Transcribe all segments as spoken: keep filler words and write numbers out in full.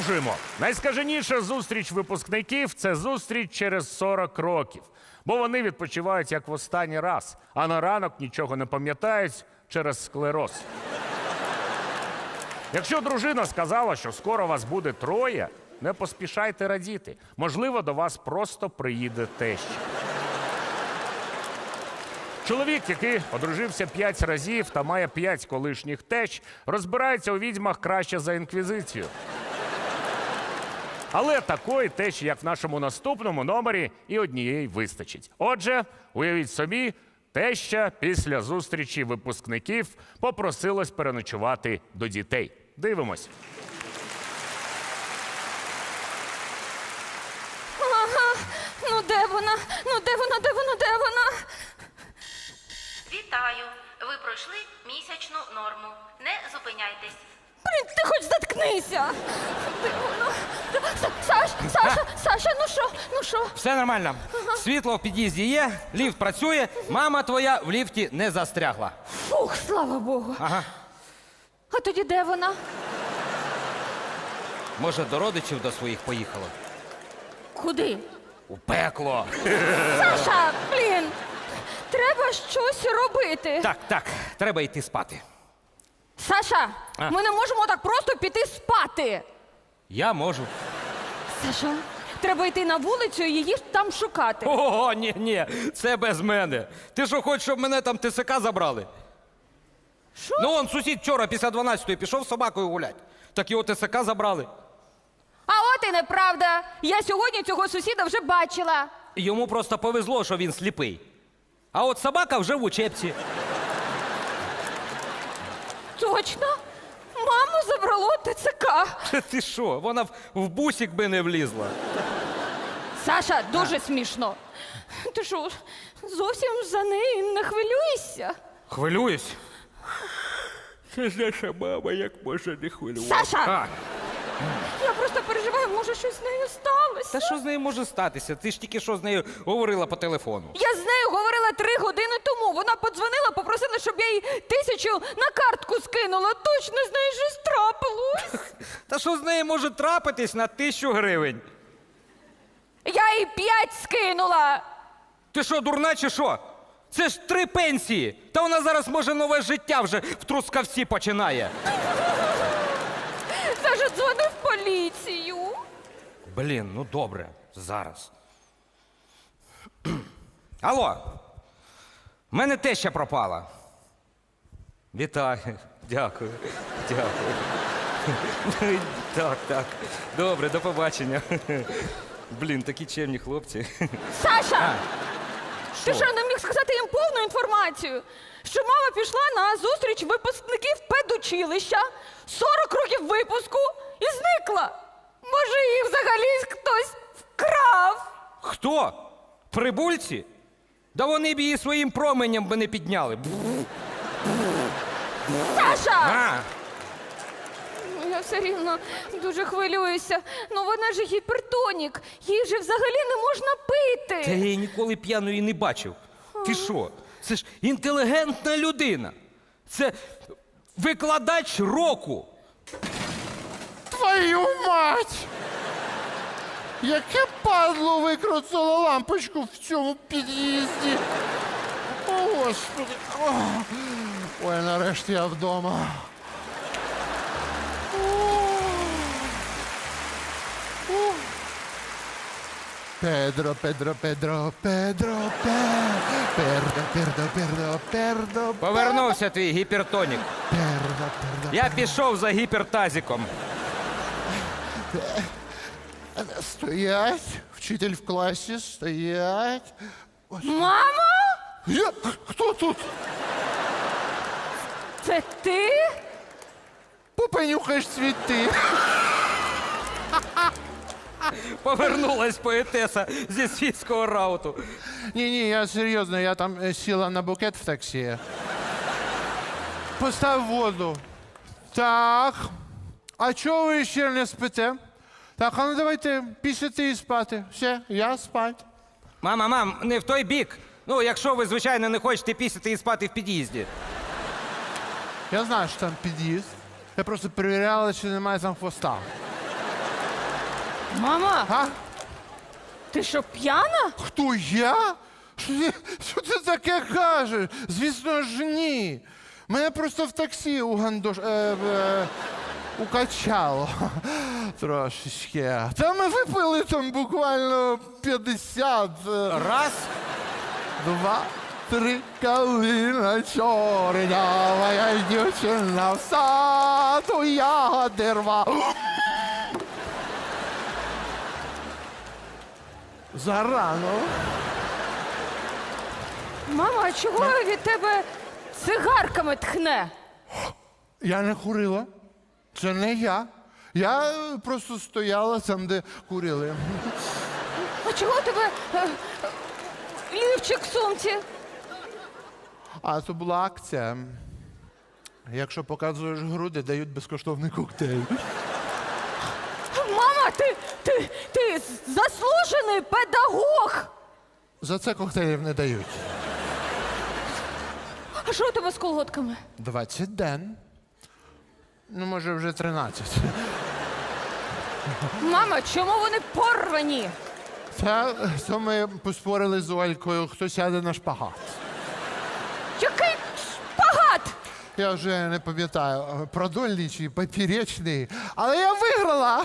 Продовжуємо. Найскаженіша зустріч випускників – це зустріч через сорок років. Бо вони відпочивають як в останній раз, а на ранок нічого не пам'ятають через склероз. Якщо дружина сказала, що скоро вас буде троє, не поспішайте радіти. Можливо, до вас просто приїде теща. Чоловік, який одружився п'ять разів та має п'ять колишніх тещ, розбирається у відьмах краще за інквізицію. Але такої тещі, як в нашому наступному номері, і однієї вистачить. Отже, уявіть собі, теща після зустрічі випускників попросилась переночувати до дітей. Дивимось. Ага, ну де вона? Ну де вона, де вона, де вона? Вітаю! Ви пройшли місячну норму. Не зупиняйтесь. Блін, ти хоч заткнися! Де вона? Са- Саш, Саша, Саша, ну що, ну що? Все нормально. Світло в під'їзді є, ліфт працює, мама твоя в ліфті не застрягла. Фух, слава Богу. Ага. А тоді де вона? Може, до родичів до своїх поїхала? Куди? У пекло. Саша, блін, треба щось робити. Так, так, треба йти спати. Саша, А? ми не можемо так просто піти спати. Я можу. Саша, треба йти на вулицю і її там шукати. О, ні, ні, це без мене. Ти що, хочеш, щоб мене там ТСК забрали? Що? Ну, он сусід вчора після дванадцятої пішов з собакою гулять. Так його ТСК забрали. А от і неправда. Я сьогодні цього сусіда вже бачила. Йому просто повезло, що він сліпий. А от собака вже в учебці. Точно? Маму забрало ТЦК. Ти що, вона в, в бусик би не влізла. Саша, дуже смішно. Ти що, зовсім за неї не хвилюєшся? Хвилююсь. Це ж наша мама, як може не хвилювати. Саша! А, Я просто переживаю, може щось з нею сталося. та що з нею може статися? Ти ж тільки що з нею говорила по телефону. Я з нею говорила три години тому. Вона подзвонила, попросила, щоб я їй тисячу на картку скинула. Точно з нею щось трапилось. Та що з нею може трапитись на тисячу гривень? Я їй п'ять скинула. Ти що, дурна чи що? Це ж три пенсії. Та вона зараз, може, нове життя вже в Трускавці починає. Саша дзвонив в поліцію. Блін, ну добре, зараз. Алло, в мене теща пропала. Вітаю, дякую, дякую. Так, так, добре, до побачення. Блін, такі чемні хлопці. Саша! Ти Що? що, не міг сказати їм повну інформацію? Що мама пішла на зустріч випускників педучилища, сорок років випуску і зникла. Може, їх взагалі хтось вкрав? Хто? Прибульці? Да вони б її своїм променем би не підняли. Саша! А, Ну, я все рівно дуже хвилююся. Ну вона ж гіпертонік. Їй же взагалі не можна та я пити. її ніколи п'яною не бачив. Ти що? Це ж інтелігентна людина. Це викладач року. Твою мать! Яке падло викрутило лампочку в цьому під'їзді. О, Господи. О. Ой, нарешті я вдома. О. О. Педро, Педро, Педро, Педро, Педро, Пердо, Пердо, Пердо, Пердо, Повернувся твій гіпертонік. Пердо, Пердо. Я пішов за гіпертазіком. Стоять, вчитель в класі, стоять. Мамо? Я? Хто тут? Це ти? Попенюхаєш цвіти. Повернулась поетеса зі світського рауту. Ні-ні, я серйозно, я там е, сіла на букет в таксі. Постав воду. Так. А чого ви ще не спите? Так, а ну давайте пісяти і спати. Все, я спать. Мама, мам, не в той бік. Ну, якщо ви, звичайно, не хочете пісяти і спати в під'їзді. Я знаю, що там під'їзд. Я просто перевіряла, чи немає там хвоста. Мама, А? ти що, п'яна? Хто я? Що ти, що ти таке кажеш? Звісно ж, ні. Мене просто в таксі у гандош... Е, е, укачало трошечки. Та ми випили там буквально п'ятдесят. е, Раз. Два, три, калина чорнява, я дівчина в саду, ягоди рва. Зарано. Мама, а чого від тебе цигарками тхне? Я не курила. Це не я. Я е, просто стояла там, де курили. А чого у тебе е, е, лівчик в сумці? А це була акція. Якщо показуєш груди, дають безкоштовний коктейль. Мама, ти, ти, ти заслужений педагог! За це коктейлів не дають. А що у тебе з колготками? двадцять ден. Ну, може, вже тринадцять. Мама, чому вони порвані? Та то ми поспорили з Олькою, хто сяде на шпагат. Який шпагат! Я вже не пам'ятаю, продольний чи поперечний, але я виграла.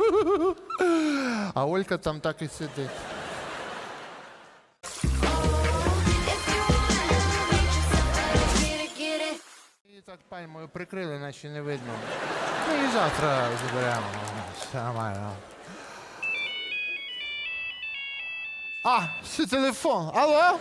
А Олька там так і сидить. І так пальмою прикрили, наче не видно. Ну і завтра заберемо. Все нормально. А, це телефон. Алло?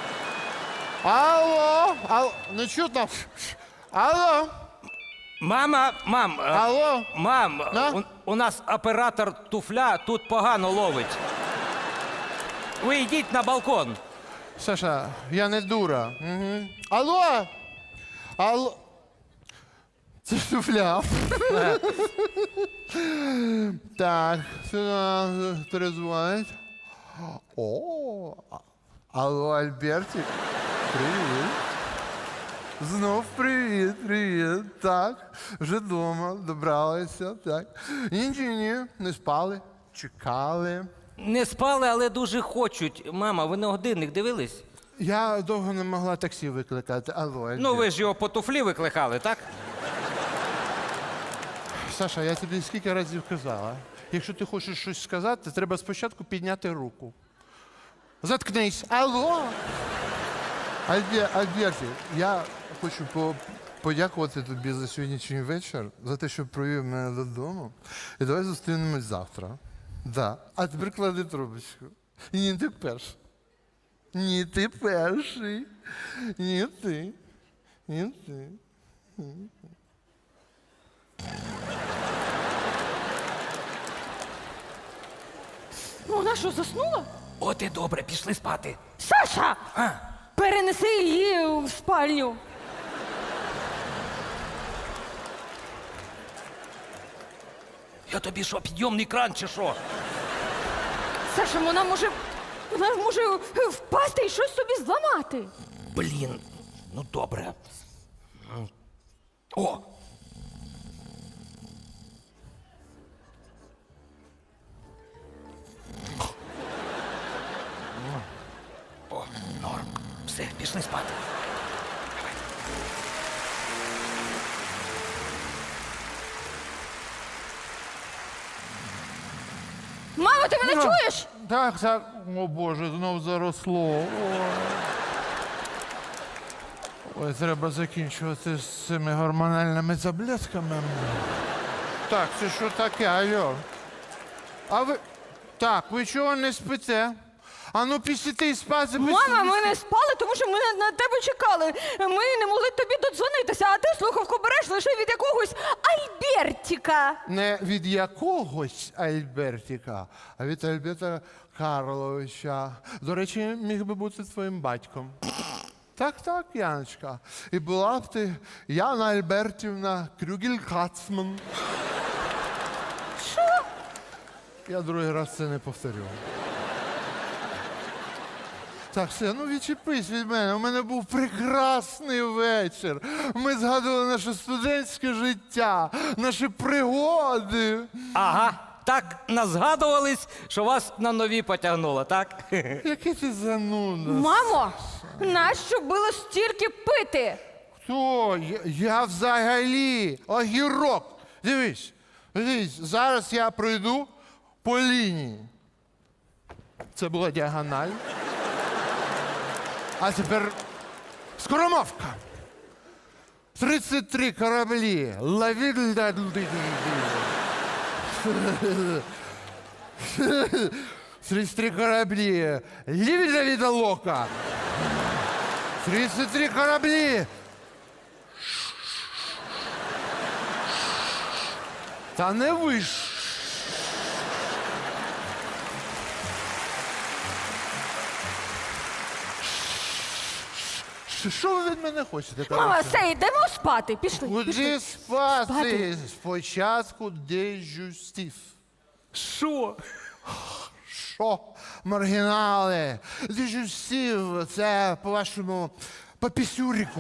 Алло? Алло? Не чутно? Алло? Мама, мам, е, Алло? мам, Да? у, у нас оператор туфля тут погано ловить. Ви йдіть на балкон. Саша, я не дура. Угу. Алло? Алло? Це ж туфля. Так, сюди перезвонить. О, а- алло, Альбертик. Привіт. Знов привіт, привіт. Так, вже вдома, добралися, так. Ні, ні, ні, не спали, чекали. Не спали, але дуже хочуть. Мама, ви на годинник дивились? Я довго не могла таксі викликати. Алло, Альберт. Ну ви ж його по туфлі викликали, так? Саша, я тобі скільки разів казала. Якщо ти хочеш щось сказати, треба спочатку підняти руку. Заткнись. Алло. Альбе- Альберті, я хочу по- подякувати тобі за сьогоднішній вечір, за те, що провів мене додому. І давай зустрінемось завтра. Да. А тепер клади трубочку. І ні, ти перший. Ні, ти перший. Ні, ти. Ні, ти. Ну, вона що, заснула? От і добре, пішли спати. Саша! А, Перенеси її в спальню. я тобі що, підйомний кран чи що? Саша, вона може. Вона може впасти і щось собі зламати. Блін, ну добре. О! О, норм. Все, пішли спати. Мамо, ти мене чуєш? Так, так. О Боже, знов заросло. Ой. Ой, треба закінчувати з цими гормональними таблетками. Так, це що таке, алло? А ви. Так, ви чого не спите? А ну після і спати. Мама, ми не спали, тому що ми на, на тебе чекали. Ми не могли тобі додзвонитися, а ти слухавку береш лише від якогось Альбертіка. Не від якогось Альбертіка, а від Альберта Карловича. До речі, міг би бути твоїм батьком. Так, так, Яночка. І була б ти Яна Альбертівна Крюгель-Кацман. Що? Я другий раз це не повторю. Так, все, ну відчепись від мене. У мене був прекрасний вечір. Ми згадували наше студентське життя, наші пригоди. Ага, так назгадувались, що вас на нові потягнуло, так? Який ти зануда. Мамо, нащо було стільки пити? Хто? Я, я взагалі огірок. Дивись, дивись, зараз я пройду по лінії. Це була діагональ. А тепер скоромовка. тридцять три кораблі. Лавіль. тридцять три кораблі. Лівіля від лока. тридцять три кораблі. Та не виш. Що ви від мене хочете? Мама, коротше? все, йдемо спати. Пішли. Куди пішли. спати? Спати. Спочатку дежустів. Що? Що? Маргінали. Дежустів, це, по-вашому, по пісюріку.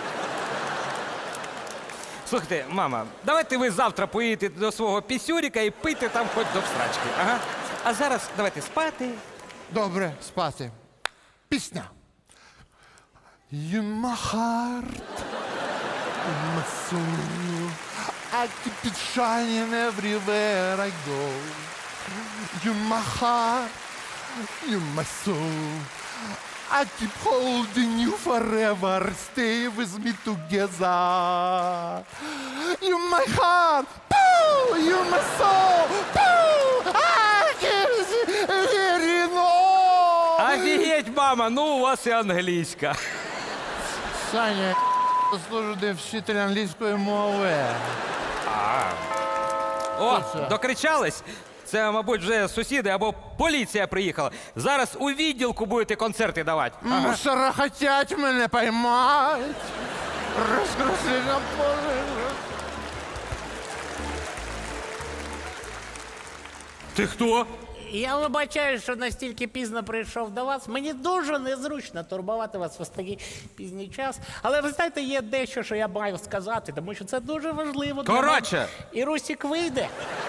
Слухайте, мама, давайте ви завтра поїдете до свого пісюріка і пийте там хоч до всрачки. Ага. А зараз давайте спати. Добре, спати. Пісня. You my heart, my soul, I keep it shining everywhere I go. You my heart, you my soul, I keep holding you forever, stay with me together. You my heart, poo, you my soul, poo, I can't hear you no. Офігеть, мама, ну у вас і англійська. Саня, я служу де вчитель англійської мови. О, це? докричались? Це, мабуть, вже сусіди або поліція приїхала. Зараз у відділку будете концерти давати. Мусора хотять мене поймать. Розкрути на поле. Ти хто? Я вибачаю, що настільки пізно прийшов до вас. Мені дуже незручно турбувати вас в такий пізній час. Але ви знаєте, є дещо, що я маю сказати, тому що це дуже важливо. для Коротше. мене. І Русік вийде.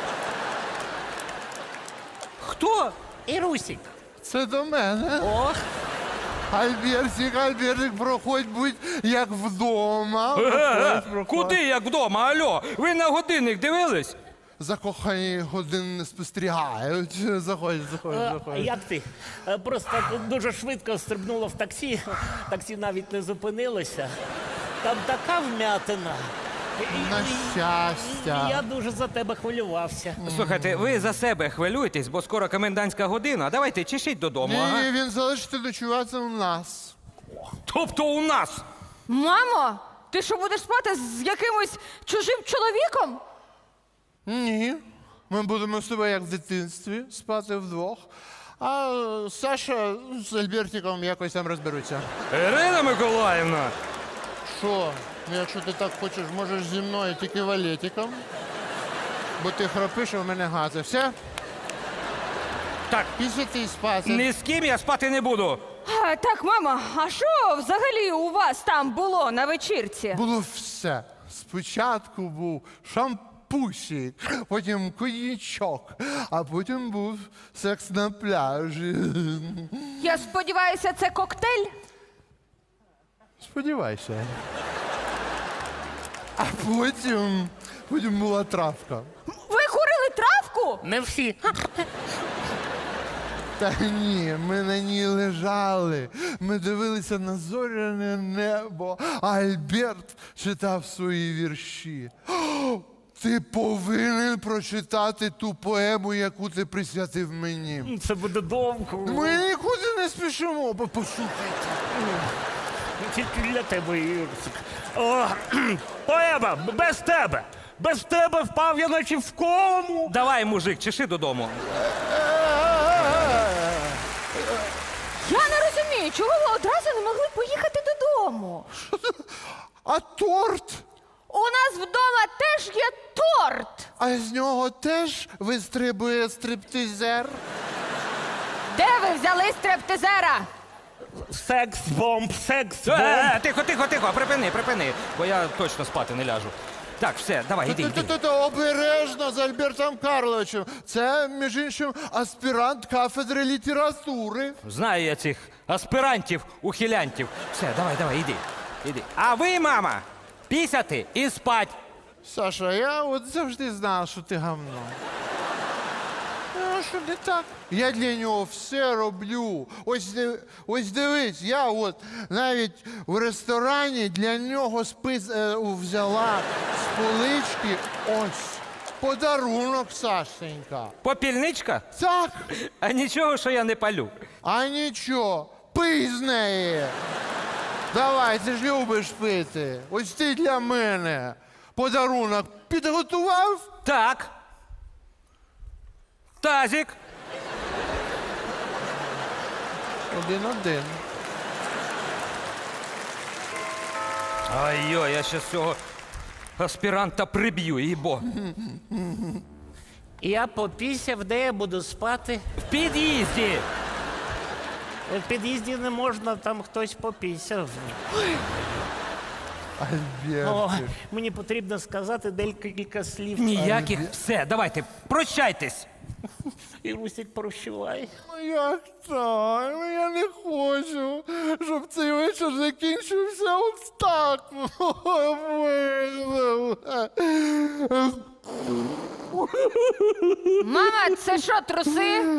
Хто? І Русік. Це до мене. Ох, Альбертик, Альбертик, проходь, будь як вдома. Е-е-е, Проходь, проходь. куди, як вдома, альо? Ви на годинник дивились? Закохані годин не спостерігають. Заходь, заходь, е, заходь. як ти? Е, Просто дуже швидко стрибнуло в таксі. Таксі навіть не зупинилося. Там така вмятина. І- На і- щастя. і Я дуже за тебе хвилювався. Слухайте, ви за себе хвилюєтесь, бо скоро комендантська година. Давайте чешіть додому, ага. Ні, він залишиться ночувати у нас. Тобто у нас. Мамо, ти що будеш спати з якимось чужим чоловіком? Ні. Ми будемо з тобою як в дитинстві спати вдвох. А е, Саша з Альбертиком якось там розберуться. Ірина Миколаївна. Що? Ну, якщо ти так хочеш, можеш зі мною тільки валетиком. Бо ти храпиш, а в мене гази. Все? Так, Після ти спати. ні з ким я спати не буду. А, так, мама, а що взагалі у вас там було на вечірці? Було все. Спочатку був шампусик, потім коньячок, а потім був секс на пляжі. Я сподіваюся, це коктейль? Сподівайся. А потім, потім була травка. Ви курили травку? Не всі. Та ні, ми на ній лежали. Ми дивилися на зоряне небо, а Альберт читав свої вірші. О, ти повинен прочитати ту поему, яку ти присвятив мені. Це буде довго. Ми нікуди не спішимо, бо послухайте. Тільки для тебе, Юрсик. О, поема, без тебе! Без тебе впав я наче в кому. Давай, мужик, чеши додому. Я не розумію, чого ви одразу не могли поїхати додому? А торт? У нас вдома теж є торт. А з нього теж вистрибує стриптизер? Де ви взяли стриптизера? Секс-бомб, Е, секс-бомб. е, тихо, тихо, тихо, припини, припини, бо я точно спати не ляжу. Так, все, давай, іди, іди. Та-та-та, обережно з Альбертом Карловичем. Це, між іншим, аспірант кафедри літератури. Знаю я цих аспірантів, ухилянтів. Все, давай, давай, іди. Іди. А ви, мама, пісяти і спать. Саша, я от завжди знав, що ти гавно. Ну, що не так? Я для нього все роблю. Ось, див- ось дивись, я от навіть в ресторані для нього спис е, взяла з полички ось подарунок, Сашенька. Попільничка? Так, А нічого, що я не палю. а нічого, пий з неї. Давай, ти ж любиш пити. Ось ти для мене подарунок підготував? Так. Тазик. Один-один. Ай-йо, я ще цього аспіранта приб'ю, їбо. Я попісяв, де я буду спати. В під'їзді. В під'їзді не можна, там хтось попісяв. О, Альбертик. мені потрібно сказати декілька слів. Ніяких. Все, давайте, прощайтесь. І Русік прощавай. Ну як так? Ну я не хочу, щоб цей вечір закінчився от так. Мама, це що, труси?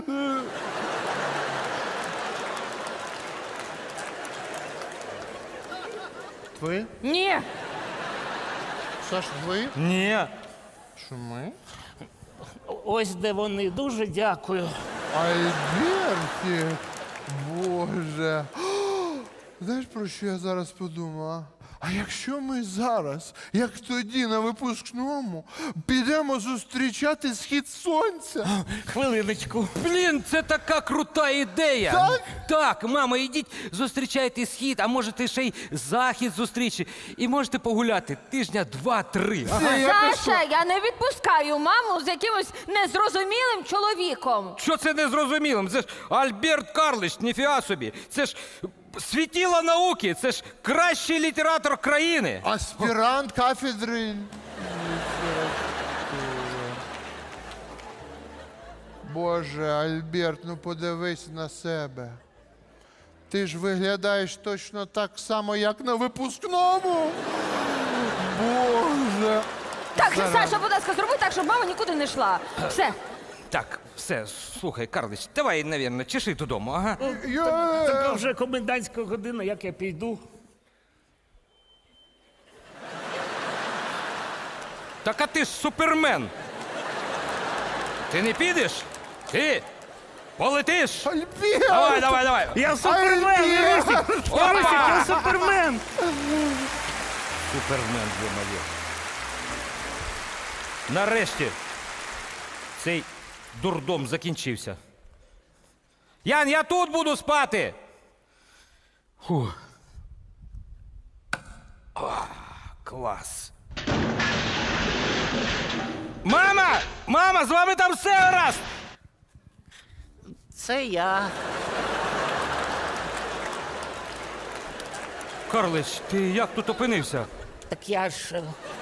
Ви? Ні. Саш, ви? Ні. Що ми? Ось де вони. Дуже дякую. Альбертик, Боже. Знаєш, про що я зараз подумала? А якщо ми зараз, як тоді на випускному, підемо зустрічати схід сонця? Хвилиночку. Блін, це така крута ідея. Так? Так, мама, ідіть, зустрічайте схід, а можете ще й захід зустрічі. І можете погуляти тижня два-три. Це якось- Саша, я не відпускаю маму з якимось незрозумілим чоловіком. Що це незрозумілим? Це ж Альберт Карлович, ніфіга собі. Це ж світіло науки, це ж кращий літератор країни. Аспірант кафедри літератури. Боже, Альберт, ну подивись на себе. Ти ж виглядаєш точно так само, як на випускному. Боже. Так, Саша, будь ласка, зроби так, щоб мама нікуди не йшла. Все. Так, все, слухай, Карлич, давай, навірно, чеши додому, ага. Я... Така вже комендантська година, як я піду. Так а ти ж супермен. Ти не підеш? Ти полетиш? Альберт! Давай, давай, давай. Я супермен! Альберт! Русік! Русік, я супермен! Супермен, ё-моє. Нарешті цей дурдом закінчився. Ян, я тут буду спати. Фу. О, клас. Мама! Мама, з вами там все гаразд! Це я. Карлич, ти як тут опинився? Так я ж. е,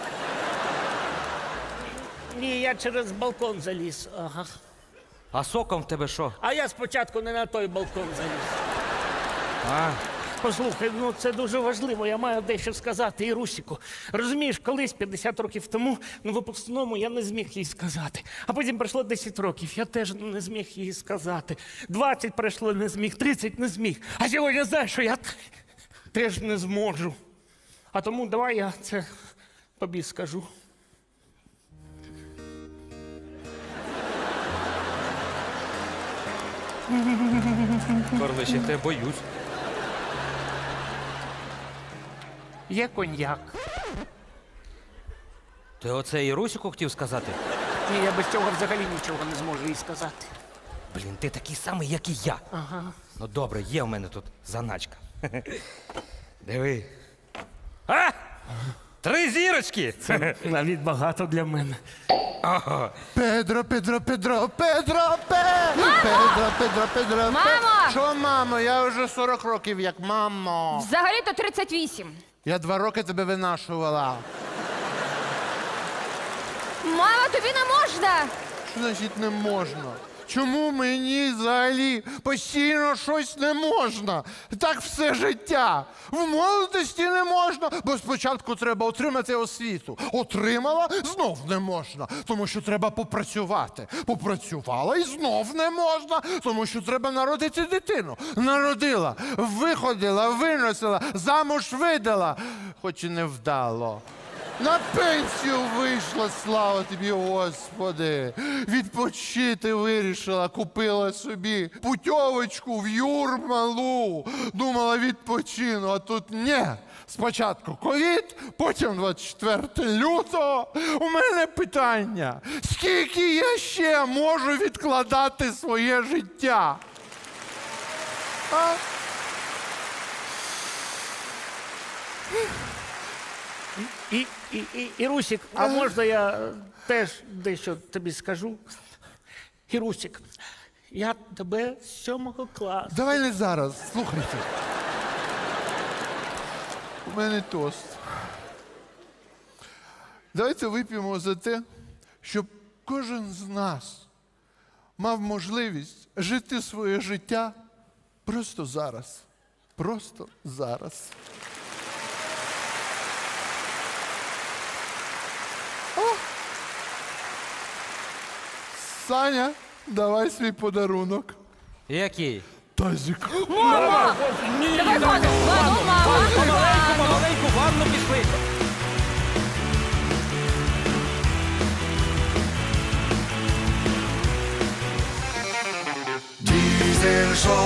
Ні, я через балкон заліз. Ага. А соком в тебе що? А я спочатку не на той балкон заліз. А, Послухай, ну це дуже важливо, я маю дещо сказати і Русіку. Розумієш, колись п'ятдесят років тому на випускному я не зміг їй сказати. А потім пройшло десять років, я теж не зміг їй сказати. двадцять пройшло, не зміг, тридцять не зміг. А сьогодні знаєш, що я теж не зможу. А тому давай я це тобі скажу. Карлич, я тебе боюсь. Є коньяк. Ти оце і Русіку хотів сказати? Ні, я без цього взагалі нічого не зможу їй сказати. Блін, ти такий самий, як і я. Ага. Ну добре, є в мене тут заначка. Диви. А! Три зірочки! Це навіть багато для мене. Педро, Педро, Педро, Педро, Пе! Педро, Педро, Педро, Пе! Мамо! Що, мамо? Я вже сорок років як мамо. Взагалі-то тридцять вісім. Я два роки тебе винашувала. Мама, тобі не можна! Що значить не можна? Чому мені взагалі постійно щось не можна? Так все життя. В молодості не можна, бо спочатку треба отримати освіту. Отримала, знов не можна, тому що треба попрацювати. Попрацювала і знов не можна, тому що треба народити дитину. Народила, виходила, виносила, замуж видала, хоч і не вдало. На пенсію вийшла, слава тобі, Господи. Відпочити вирішила, купила собі путьовочку в Юрмалу. Думала, відпочину, а тут ні. Спочатку ковід, потім двадцять четвертого лютого. У мене питання, скільки я ще можу відкладати своє життя? А? І, і, і, і Русік, а можна я е, теж дещо тобі скажу? І Русік, я тебе з сьомого класу. Давай не зараз, слухайте. У мене тост. Давайте вип'ємо за те, щоб кожен з нас мав можливість жити своє життя просто зараз. Просто зараз. О! Саня, давай свій подарунок. Який? Тазик. Мама! Давай ванну! Ванну, мама! Помаленьку, помаленьку, в ванну пішли. Diesel Show.